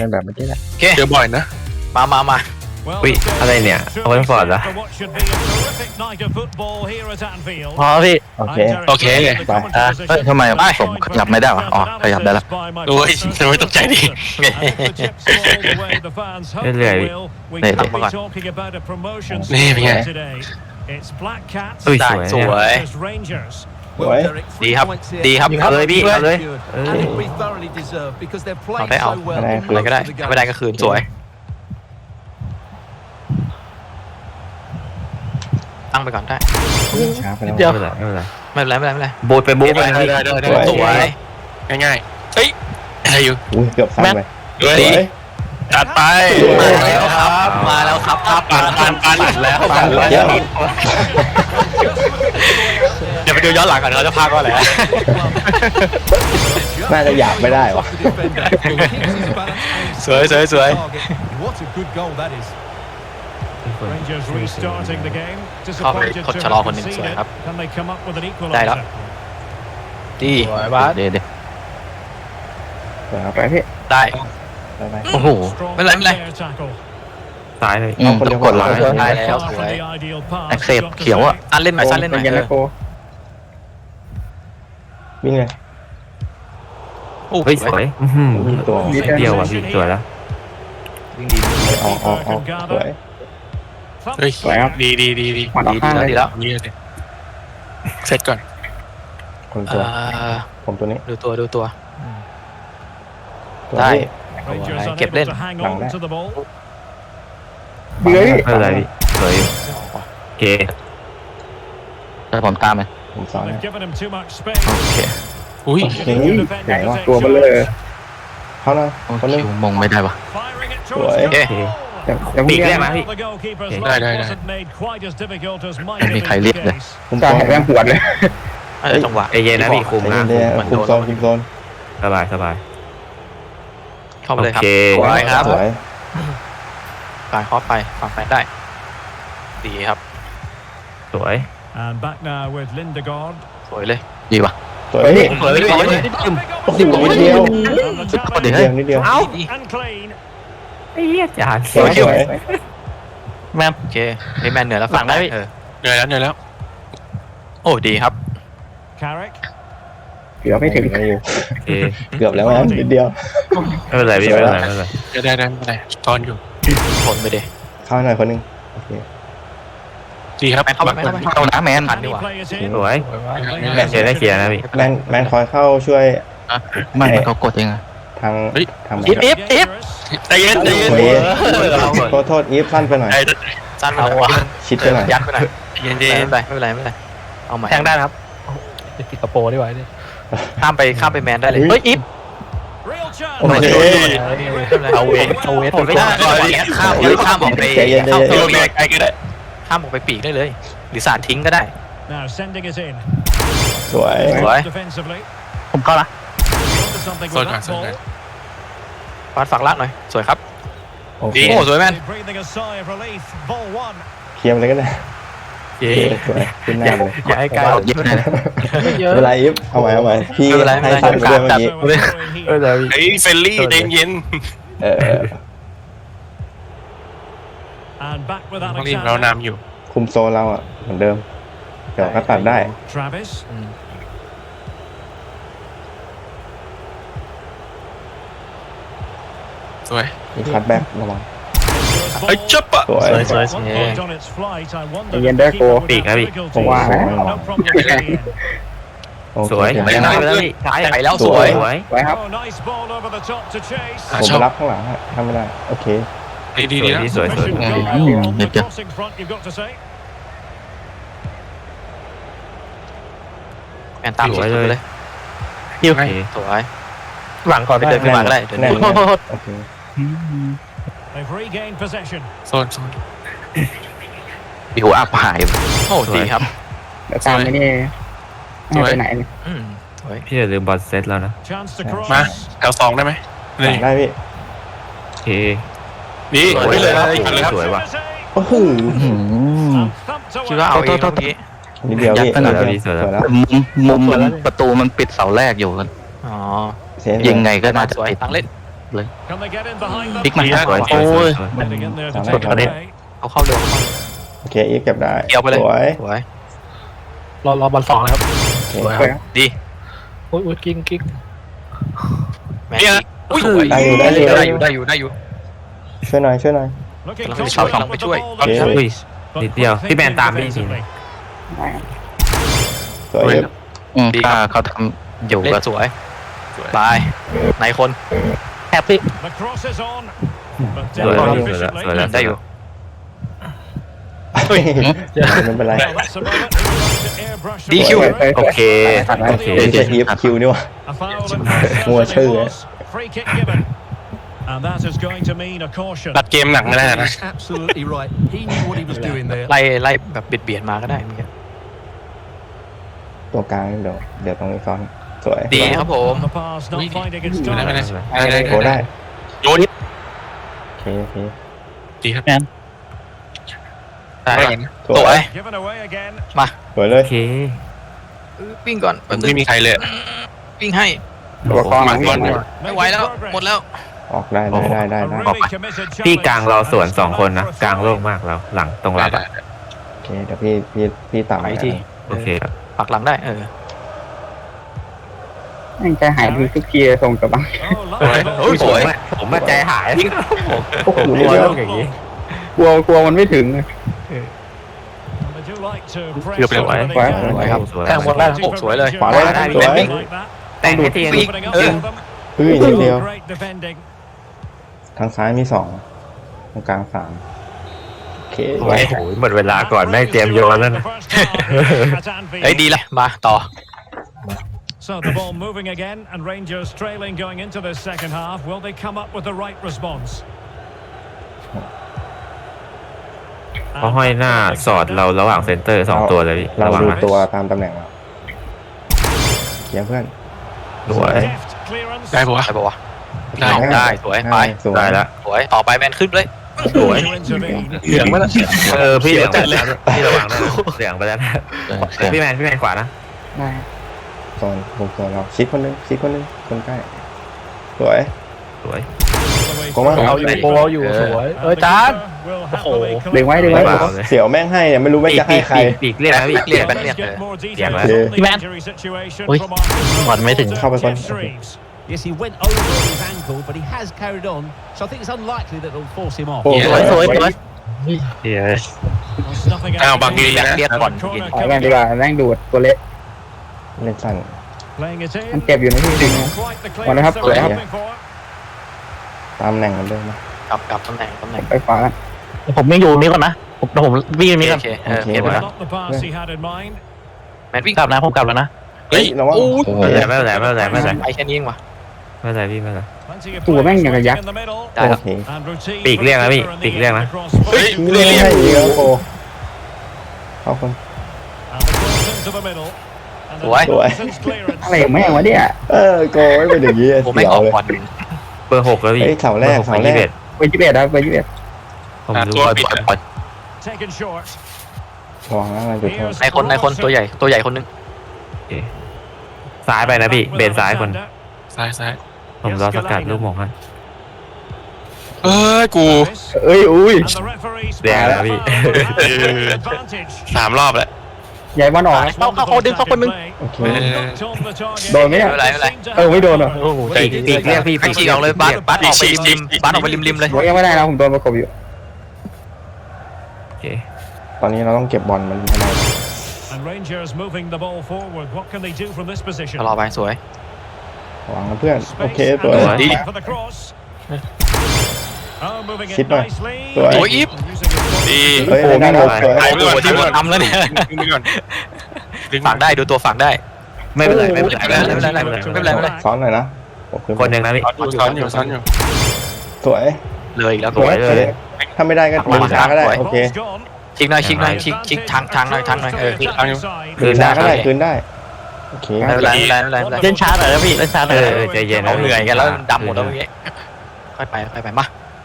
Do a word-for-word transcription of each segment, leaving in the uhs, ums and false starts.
แบบเมื่อกี้แหละโอเคเจอบ่อยนะมามามาอุ้ยอะไรเนี่ยเอาไว้ฟอร์ดเหรอพอพี่โอเคโอเคไปอ่ะเฮ้ยทำไมผมขยับไม่ได้วะอ๋อขยับได้แล้วโอ้ยทำไมตกใจดิเรื่อยนี่ตักมาก่อนนี่เป็นไงอุ้ยได้สวยสวยสวยดีครับดีครับเอาเลยพี่เอาเลยเออเอาได้เอาอะไรคือะไรอก็ได้ไม่ได้ก็คืนสวยตั้งไปก่อนได้ช้าไปแล้วไม่เป็นไรไม่เป็นไรไม่เป็นไรไม่เป็นไรไม่เป็นไรโบดไปโบดไปได้ได้ได้ได้สวยง่ายๆเฮ้ยอะไรอยู่อุ้ยเกือบซ้ำไปเฮ้ยสวยจัดไปมาแล้วครับมาแล้วครับภาพปั่นปั่นปั่นแล้วปั่นแล้วเดี๋ยวไปดูย้อนหลังกันเขาจะพากว่าอะไรน่าจะหยาบไม่ได้วะสวยสวยสวย เข้าไปกดชะลอคนหนึ่งสวยครับได้แล้วดีเดี๋ยวเดี๋ยวเดี๋ยวเอาไปพี่ได้ไปไปโอ้โหไม่เป็นไรไม่เป็นไรซ้ายเลยอืมต้องกดหลังได้แล้วสวยแอคเซปเขียวอ่ะสั้นเล่นหน่อยสั้นเล่นหน่อยเป็นไงเอนะอโกวิ่งเลยโอ้เฮ้ยสสววย ยอื้อหือตัวนิดเดียวอ่ะพี่สวยแล้ววิ่งดีออกออกออกสวยเฮ้ยสวยครับดีดีดีดีหมัดออกข้างเลยดีแล้วนี่เลยเสร็จก่อนคนเอตัวอผมตัวนี้ดูตัวดูตัวตัวได้นี้เก็บเล่นเฮ้ยไม่เป็นไรพี่สวยอยู่โอเคแต่ผมตามไหมผมสอนนะโอเคอุ้ยเฮ้ยไหนวะตัวมันเลยเขาหน่อยโอ้คนนึงคิวมงไม่ได้วะสวยโอเคโอเคแต่แต่ปีกเรีได้ยกไหมนะพี่ได้ได้ได้ไม่มีใครเรียกเลยผมตัวแม่งปวดเลยเออจังหวะใจเย็นนะพี่คุมนะเดี๋ยวมันคุโดมนโซนคุมโซนสบายสบายเข้าไปโอเลยครับเคสวยครับสวยปาดคอไปฝั่งแฟนได้ ดีครับสวยสวยเลยดีวะสวยพี่สวยเลยสวยเลยโอ้โหนิดเดียวเดี๋นิยวดเฮ้เดียยวนิดเดียวเอ้าไอ้เหี้ยจานสวยสวยแม่โอเคไอ้แมนเหนือแล้วฝั่งได้เออเหนื่อยแล้วเหนื่อยแล้วโอ้ดีครับเกือบไม่ถึงโอเคเกือบแล้วนะนิดเดียวไม่เป็นไรพี่ไม่เป็นไรไม่เป็นไรจะได้ได้ไม่ได้ตอนอยู่ทนไปดิเข้าหน่อยคนนึงโอเคดีครับแมนเข้าไปแมนเข้าไปเข้านะแมนทันดีกว่าสวยเชียร์ได้เชียร์นะพี่แมนแมนคอยเข้าช่วยไม่เขากดเองอะทางทางอิฟอิฟอิฟใจเย็นใจเย็นโอ้ยเราเหมือนโทษโทษอีฟสั้นไปหน่อยใจสั้นไปหน่อยชิดไปหน่อยยัดไปหน่อยเย็นไม่เย็นเป็นไรไม่เป็นไรไม่เป็นไรเอาใหม่แทงได้นะครับติดกระโปรงได้ไว้ดิข้ามไปข้ามไปแมนได้เลยเฮ้ยอิฟโอเคเอาเวทเอาเวทไม่ได้ข้ามข้ามออกไปใจเย็นใจข้ามเย็นออกไปไกลก็ได้ข้ามออกไปปีกได้เลยหรือสาดทิ้งก็ได้สวยสวยผมเข้าละโซนก่อนโซนก่อนฟาดฝักลักหน่อยสวยครับโอเคโอ้สวยแมนเคลียร์ไปเลยก็ได้เย้สวยขึ้นหน้าเลยอย่าให้ใกล้เยอะเลยนะเวลาอีฟเอาใหม่เอาใหม่พี่ไม่เป็นไรไม่ให้เป็นไรสั้นไปด้วยเมื่อกี้ไม่เป็นไรพี่เฮ้ยเฟลลี่ใจเย็นเออต้องรีบเรานำอยู่คุมโซนเราอ่ะเหมือนเดิมเดี๋ยวก็ตัดได้สวยมีคัดแบ็กระวังไอ้จับปะสวยสวยสวยเย็นได้โกปีกนะพี่ผมว่านะโอเคสวยผมไม่ไปได้ไปแล้วพี่ซ้ายไปแล้วสวยสวยไว้ครับอ่ะผมชไปอบรับข้างหลังฮะทำไม่ได้โอเคดีดีดีนะสวยสวยอืมเดี๋ยวจะแมนตามสวยเลยโอเคสวยหลังก่อนไปเดินขึ้นมาก็ได้เดินแน่นขึ้นแน่มานโอเคโซนโซนบิวอัพหายโอ้ดีครับตามไม่ได้ไปไหนอืมสวยพี่อย่าลืมบอลเซตแล้วนะมาแถวสองได้ไหมนี่ได้พี่โอเคนี่สวยนี่เลยครับเลยครับสวยว่ะโอ้โหอืมคิดว่าเอาเองเมื่อกี้นิดเดียวพี่ยัดขนาดนิดเดียวสวยแล้วสวยแล้วมุมมุมมันประตูมันปิดเสาแรกอยู่กันอ๋อเสียยิงไงก็น่าจะสวยติดตั้งเล่นเลยพลิกมาสวยสโอ้วยสวยยสวยสุดประเด็นเอาเข้าเร็วโอเคอีฟเก็บได้เกี่ยวไปเลยสวยสวยรอรอบอลสองนะครับโอเคสวยคครัรับบดีอุ้ยอุ้ยกิ้งกิ้งแม่อุ้ยสวยได้อยู่ได้อยู่ได้อยู่ได้อยู่ได้อยู่ช่วยหน่อยช่วยหน่อยกำลังไปช็อตกำลังไปช่วยโอเคอุ้ยนิดเดียวพี่แมนตามพี่ทีนึงสวยอีฟอืมถ้าเขาทำอยู่เล่ก็นสวยตายในคนแฮปปี้สวยแล้วสวยแล้วสวยแล้วได้อยู่เฮ้ยไม่เป็นไรดีคิวโอเคโอเคไม่ใช่อีฟคิวนี่หว่า มัวชื่อ And that is going to mean a caution. ตัดเกมหนักไม่ได้นะ He's absolutely right. He knew what he was doing there. ไล่ไล่แบบเบียดเบียดมาก็ได้เมื่อกี้ตัวกลางเดี๋ยวเดี๋ยวตรงนี้ซ้อนสวยดีครับผม On the pass, not finding its ไม่ได้ไม่ได้ target. ไม่ได้โอ้ได้โยนโอเคโอเคดีครับได้ไม่ก่อนเห็นสสววย ย Given away again. สวยเลโอย เควิ่งก่อนไม่มีใครเลยวิ่งให้ตัวกลางมาก่อนดีกว่าไม่ไหวแล้วหมดแล้วออกได้ได้ได้ได้ A ได้ really committed พี่ challenge. กลางเราสวนสองคนนะกลางโล่งมากแล้วหลังตรงรับได้อะโอเคเดี๋ยวพี่พี่พี่ต่ำไปที่โอเคครับปักหลังได้เออมันจะหายดีทุกทีส่งกลับบ้าน Oh, lovely ball. โอ้ยสวยผมว่าใจหายโอ้โหกลัเดี๋ยววเดี๋ยวต้องอย่างนี้กลัวกลัวมันไม่ถึง And they do like to press เกือบเร็ว over the ไว้ gap. สวยครับสวยแทงบอลได้โอ้สวยเลยขวาเลยได้สวยวิ่ง Like that. แต่งให้ทีวิ่ง Opening up เออ for them. เฮ้ยนิดเดียว Great defending. ทางซ้ายมีสองตรงกลางสามโอเคโอ้โหหมดเวลาก่อนแม่งเตรียมโยนแล้วนะเฮ้ยดีละมาต่อ So the ball moving again, and Rangers trailing going into this second half. Will they come up with the right response? เขาห้อยหน้าสอดเราระหว่างเซนเตอร์สองตัวเลยพี่เราระวังดูนะตัวตามตำแหน่งเราเขียนเพื่อนสวย Deft clearance. ได้ปะวะได้ปะวะได้ได้สวยไปสวยได้แล้วสวยต่อไปแมนขึ้นเลยสวย To intervene. เหลืองไม่ละเออพี่เหลืองไปแล้วพี่ระวังด้วยนะเหลืองไปแล้วนะเออพี่แมนพี่แมนขวานะได้โซนบุกโซนเราชิดคนหนึงชิดคนหนึงคนใกล้สวยสวยผมว่าเอาอยู่โปรอยู่สวย เออจาน Will โอ้โห happily เล็งไว้เล็งเฮ้ไว้ยเสี่ยวแม่งให้เนี่ยไม่รู้แม่งจะให้ใครปีกเรียกนะพี่เรียก Let's แบนเรียก get more details Yeah, on man. the Hey, man. injury situation Ui, from our còn mấy thỉnh. เข้าไปก่อน Jeff Shreves. Yes, he went over on his ankle, but he has carried on. So I think it's unlikely that it'll force him off. โอ้สวยสวยสวย Well, snuffing it อ้าว out. บางทีนะเรียกก่อน Corner ถอยกันดีกว่าแม่งดูดตัวเล็กเล่นสั้น Playing it มัน in. เจ็บอยู่นะพี่จริง Not quite the ก่อนนะครับ clearance they สวยครับ were hoping for. ตามตำแหน่งกันด้วยนะกลับกลับตำแหน่งตำแหน่งไปขวากันผมยังอยู่นี้ก่อนนะผมผมวิ่งนี้โอก่อนเคเออเห็น It ไหม was not the pass he had in mind. แมนวิ่งกลับนะผมกลับแล้วนะเฮ้ยระวังโอ้ยโอ้โหไม่เป็นไรไม่เป็นไรไม่เป็นไรไปแค่นี้เองวะไม่เป็นไรพี่ไม่เป็นไร Plenty of ตัวแม่งอย่างกับ players ยักษ์ in the middle. ได้แล้วโอเค And routine ปีกเรียกนะพี่ for the ปีกเรียกนะ across เฮ้ย forward. เล่นให้เยอะโอ้เข้าคน And the cross into the middle. And the Ủa? nonsense clearance. อะไรของแม่งวะเนี่ยเออโกไม่เป็นอย่างนี้ผมไม่เสียอวอกเลยก่อนเบอร์หกแล้วพี่เฮ้ยเสาแรกบอหเสาไปแรกยี่สิบเอ็ดเบอร์ยี่สิบเอ็ดนะเบอร์ยี่สิบเอ็ดผมรู้ตัวปล่อยปิดปล่อยอะปล่อย Taken short. ระวังนะมันจุดโทษในคนในคนตัวใหญ่ตัวใหญ่คนนึงซ้ายไปนะพี่เบนซ้ายคนซ้ายซ้ายผมรอสกัดลูกหมงให้เอ้ยกูเอ้ยอุ้ย And the referee แดงแล้วพี่ advantage. สามรอบแล้วใหญ่บอลออกนะเข้าเข้าเขาดึงเข้าคนนึงโอเคโดนไหมเนี่ยไม่เป็นไรไม่เป็นไรเออไม่โดนเหรอปีกปีกเรียกพี่ไอ้ฉีกออกเลยบัสบัสออกไปริมริมบัสออกไปริมริมเลยผมยังไม่ได้นะผมโดนประกบอยู่โอเคตอนนี้เราต้องเก็บบอลมันให้ได้ And Rangers moving the ball forward. What can they do from this position? รอไปสวยระวังนะเพื่อน โอเค Space ตัว and ดี for the cross. Oh, moving it Shit, man. nicely. สวยโอ้ยอีฟ Using his body. ดีเฮ้ยได้แล้วสวยไปโอ้โหทีมเราทำแล้วเนี่ยดึงไปก่อนดึงฝากได้ดูตัวฝากได้ไม่เป็นไรไม่เป็นไรไม่เป็นไรไม่เป็นไรไม่เป็นไรไม่เป็นไรซ้อนหน่อยนะโอเคคนหนึ่งนะพี่ซ้อนอยู่ซ้อนอยู่สวยเลยอีกแล้วสวยเลยถ้าไม่ได้ก็ดึงช้าก็ได้ โอเค Ball's gone. ชิกหน่อยชิกหน่อยชิกชิกทางทางหน่อยทางหน่อยเออ Straight Ang- inside. คืนได้ก็ได้คืนได้ โอเคไม่เป็นไรไม่เป็นไรไม่เป็นไรไม่เป็นไรเล่นช้าหน่อยนะพี่เล่นช้าหน่เออยอเออใจเย็นเขาเหนื่อยกันแล้วดำหมดแล้วเมื่อกี้ค่อยไปค่อยไปมา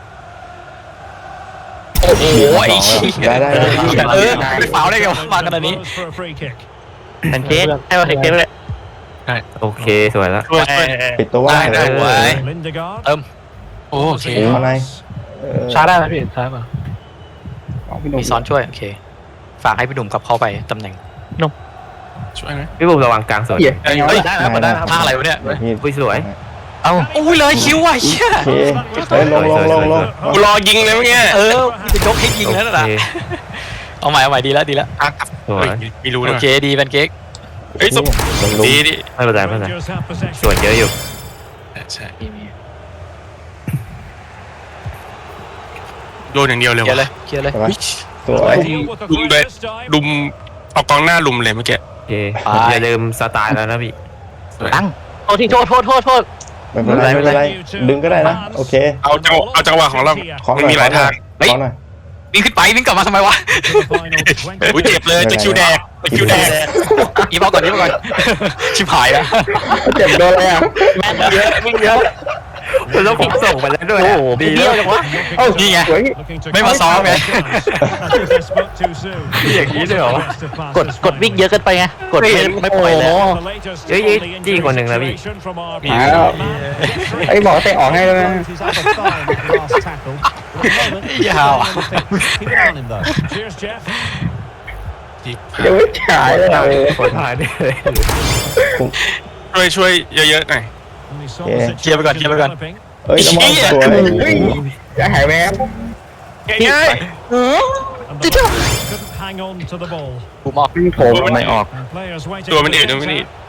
โอ้โหไอ้ชี้ยได้ได้ได้เออไม่ฟาวได้ไงวะมาขนาดนี้ For a free kick. แพนเค้กให้มาแพนเค้กเลยโอเคสวยแล้วช่วยช่วยปิดตัวว่างได้เลได้ยไว้ Lindegaard. เติมโอเคเอาในเออช้าได้ไหมพี่ช้าป่ะเอาพี่หนุ่มมีซ้อนช่วยโอเคฝากให้พี่หนุ่มกลับเข้าไปตำแหน่งช่วยไหมพี่บุ๋มระวังกลางสวนเหี้ยเฮ้ยเฮ้ยได้แล้วได้แล้วท่าอะไรวะเนี่ยพี่อุ้ยสวยเอ้าโอ้ยเลยคิวว่ะเชี่ยโอเคเฮ้ยลงลงลงลงกูรอยิงเลยเมื่อกี้เออจะยกให้ยิงแล้วนะโอเคเอาใหม่เอาใหม่ดีแล้วดีแล้วอ่ะกลับสวยเฮ้ยไม่รู้โอด้วยเคดีแพนเค้กเฮ้ยสมลงลุมดีดิไม่เป็นไรไม่เป็นไร Rangers have possession. ส่วนเยอะอยู่ใช่โดนอย่างเดียวเลยเคลียร์เลว่ะยเคลียร์เลยใช่ไหมอุ๊ยสวย Deal with the ลุม threat เลย this time. ลุมเอากองหน้าลุมเลยเมื่อกี้โอเคอย่าลืมสไตล์แล้วนะพี่ตั้งโทษทีโทษโทษโทษโทษไม่เป็นไรไม่เป็นไรดึงก็ได้นะโอเคเอาจังเอาจังหวะของเราขอหไม่น่อยมีหลายทางขอหน่อยวิ่งขึ้นไปวิ่งกลับมาทำไมวะอุ้ยเจ็บเลยจะคิวแดงจะคิวแดงอีบอกก่อนอีบอกก่อนชิบหายแล้วเจ็บโดนเลยอ่ะแม่นเยอะวิ่งเยอะแล้วผมส่งไปแล้วด้วยโอ้โหดีแล้วจังวะเอ้านี่ไงสวยไม่มาซ้อมไงอย่างนี้ด้วยเหรอกดกดวิ่งเยอะเกินไปไงกดไม่ไม่ปล่อยแล้วเฮ้ยจี้คนหนึ่งนะพี่หาแล้วไอ้บอกเตะออกให้แล้วนะ His other thigh in the last tackle. At the moment, he's Yeah. still on the fence. Keep an eye on him though. Cheers, Jeff. เดี๋ยวไม่ฉายเลยอะคนหายได้เลยช่วยช่วยเยอะๆหน่อย And he saw Yeah. the เคลียร์ไปก่อนเคลียร์ไปก่อน developing. เอ้ยน้ำมันสวยเฮ้ยจะหายแวบง่าย And the Lions couldn't hang on to the ball. กูมอกวิ่งโผล่ไม่ออก And players waiting ตัวมัน for เอ็ด the ตัวมันเอ็ด contact.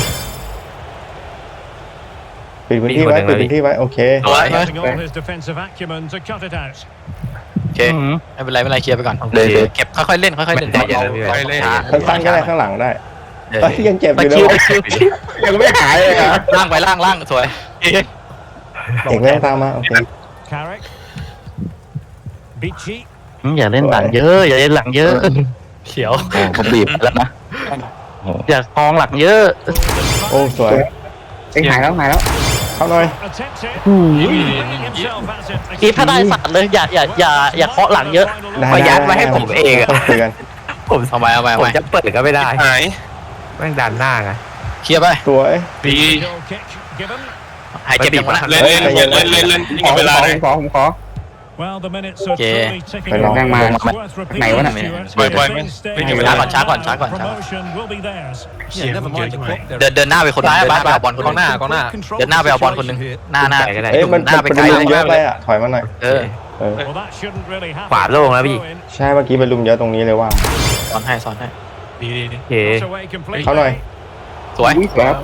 ปิดพื้นที่ไว้ปิดพื้นที่ไว้โอเคสวย Using all his defensive acumen to cut it out. โอเคไม่เป็นไรไม่เป็นไรเคลียร์ไปก่อนเลยเลยเก็บค่อยๆเล่นค่อยๆเล่นใจเย็นนะพี่แหวไปนเลยสั้นๆก็ได้ข้างหลังได้เออเอ้ยยังเจ็บอยู่ตะเลคิวย ตะคิวยังไม่หายเลยอ่ะล่างไปล่างล่างสวยเอกไม่ต้องตามมาโอเค Carrick. Beachy. อืมอย่าเล่นหลังเยอะอย่าเล่นหลังเยอะเขียวโอ้ผมบีบแล้วนะอย่ากองหลังเยอะโอ้สวยเอ็งหายแล้วหายแล้วเข้าหน่อย Attempted. Bringing himself at it. อีฟถ้าได้สัตว์เลยอย่าอย่าอย่าอย่าเคาะหลังเยอะได้เอายัดไว้ให้ผมเองอะต้องคุยกันผมเอาไปเอาไปเอาผมไปจะเปิดก็ไม่ได้หายแม่งดันหน้าไงเคลียร์ไปสวยดี Goal kick given. หายเจ็บยังวะเล่นเล่นเล่นเล่นเล่นยิงขอเวลาขอเลยขอผมขอ Well, the minutes are Okay. truly ticking Phải away. lòng- lòng It's mà. worth repeating, Này quá nè. Stuart. Quay, quay, If quay. things stay Bên as này they mà. ช้าก่อน are, ช้าก่อนช้าก่อน promotion will be theirs. Yeah, never mind the clock. เดินเดินหน้าไปคนหนึงเดินหน้าไปเอาบอลคนหนึงกองหน้ากองหน้าเดินหน้าไปเอาบอลคนหนึงหน้าหน้าไปก็ได้เอ้ยมันหน้าไปเป็นไกลลุเลมยเยอะไปอ่ะถอยมาหน่อยเออเออ Well, that shouldn't really happen. ขวาโล่งแล้วพี่ Throw in. ใช่เมื่อกี้เป็นลุมเยอะตรงนี้เลยว่างสอนให้สอนให้ดีดีดีโอเค Knocked away completely. เข้าหน่อยสวยอุ้ยสวยครับ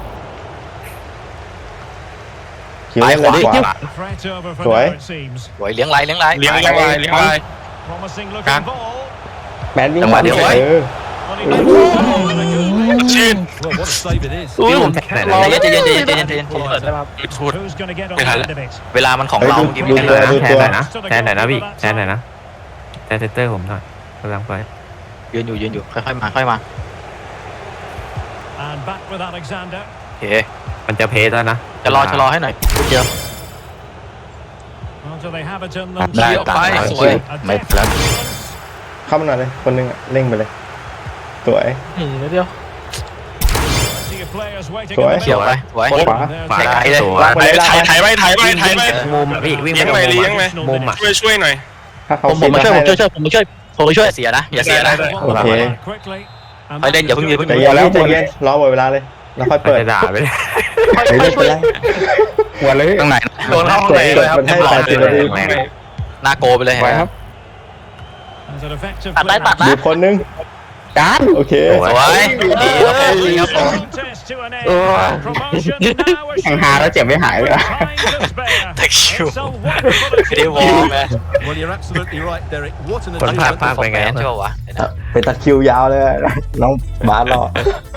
คิวเล่นเลยขวา Threat over for Tuổi. now, it seems. สวยเลี้ยงไหลเลี้ยงไหลเลี้ยงเลี้ยงลายเลี้ยงลาย Promising looking Căng. ball. แมนวิ่งจังหวะเดียวเออ Well, he makes it in a good place. ชื่น Well, what a save it is. อุ้ยผมใจเย็นใจเย็นใจเย็นใจเย็นใจเย็นเปิดได้ป่ะพูด Who's going to get on Mày the hả? end of it? เวลามันของเฮ้ยเราดูเมื่อกี้ดูไม่ตัวได้ดูแทตันวหน่อยนะแทนหน่อยนะพี่แทนหน่อยนะแทนเซนเตอร์ผมหน่อยกำลังไปยืนอยู่ยืนอยู่ค่อยๆมาค่อยมา And back with Alexander. โอเคมันจะเพสแล้วนะจะรอชะลอให้หน่อยเจอ Well, do they have it in ได้ them? ตามไปไปสวยไม่แล้วเข้ามาหน่อยเลยคนหนึงอะเร่งไปเลยสวยนี่นิดเดียว See your players waiting Tuổi. in the เขียว middle. ไปสวยขวาขวาไกลเลยสวยวางไปเลยถ่ายถ่ายไว้ถ่ายไว้ถ่ายไว้มุมอะพี่วิ่งเลี้ยงไปเลี้ยงไปมุมอะช่วยช่วยหน่อยถ้าเขาผมผมมาช่วยผมช่วยช่วยผมมาช่วยผมมาช่วยอย่าเสียนะอย่าเสียนะได้ Well, โอเค quickly. And ไปเล่นอย่าเพิ่งอย่าเพิ่งใจเย็นแล้วใจเย็นรอหมดเวลาเลยแล้วค่อยเปิเปิดดด่าไปเลยเฮ้ยไม่เป็นไรหัวเลยข้างในโดนเข้าข้างในเลยครับมันให้แปดสิบนาทีหน้าโกไปเลยไหวครับ As an effective ตัดได้ตัด clearance. ดูคนหนึงจานโอเคสวยดีครับผมดีครับผม Contest to an end. Promotion now แข่งหาแล้วเจ็บไม่หายเลยอะ time to spare. Thank you It's a wonderful ไม่ได้วอ achievement. ร์มไง Well, you're absolutely right, Derek. What an คนพลาด achievement. พลาดไปไงใช่ป่าววะไปตัดคิวยาวเลยอะน้องบาสรอ